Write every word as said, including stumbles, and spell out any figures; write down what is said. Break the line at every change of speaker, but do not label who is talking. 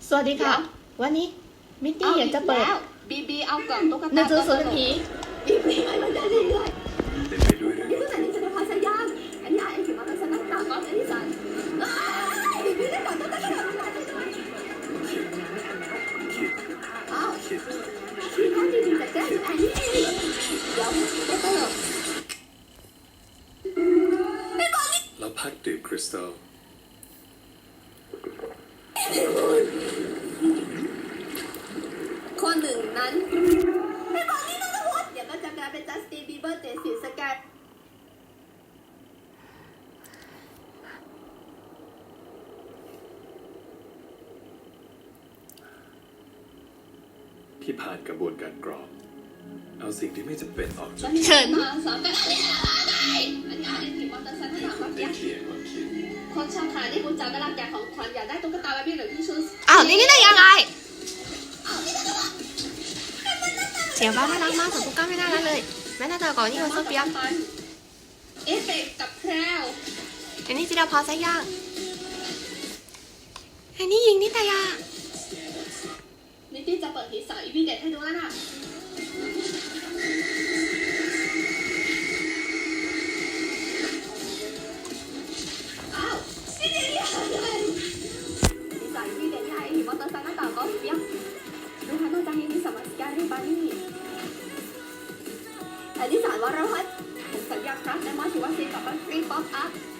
สวัสดีค่ะวันนี้มิตตี้อยากจะเปิด
บีบีเอากล่องตุ๊กตา
หนังสือสวนผี
บีบีให้มันได้เรื่อย
เต็มไปด้วยเรื่อง
ๆนี่ก็แต่นี่จะพาสยามอันนี้ไอ้ถึงมาเป็นสนับตาก้อนอันนี้สันบีบีได้กล่องตุ๊กตาขนาดนั้นเลยอ้าวที่เขาดีๆแต่แกอันนี้เดี๋ยวได้เติม
เราพักดื่มคริสตัล
คนหนึ่งนั้นไม่บอกนี่นะทุกคนเดี๋ยวก็จะกลายเป็นจัสตินบีเบอร์เตสิสแกน
ที่ผ่านกระบวนการกรองเอาสิ่งที่ไม่จำเป็นออกจาก
เชิญ
มาสามกันอะไรอะไรอันนี้ไอ้ที่มอเตอร์ไซค์ที่ถามว่า
ได้เคลียร์ความคิด
คนชาวขายได้กุญแจกระลักอยากของขวัญอยากได้ตุ๊กตาบาร์บี้หรือที่ชุด
อ้าวนี่นี่ได้ยังไงเสียงบ้านน่ารักมากส่วนตุ๊กตาไม่น่ารักเลยแม่น่าจะก่อนนี่คนโซเฟียม
เอฟเฟกกับแพรว
อันนี้จิราพรไซย่างอันนี้ยิงนิตยา
นิตี้จะเปิดผีสาวอีพีเด็ดให้ดูแล้วนะอ้าวนี่เดี๋ยวนี้อะไรผีสาวอีพีเด็ดที่ไอ้หิมอเตอร์ไซค์หน้าต่างก็เปียกดูท่าน่าจะให้มีสมาร์ทสแกนให้บานี่แต่ที่สารวรพัฒน์ผมสัญญาครับในมอสิว่าซีกับบันฟรีป๊อปอัพ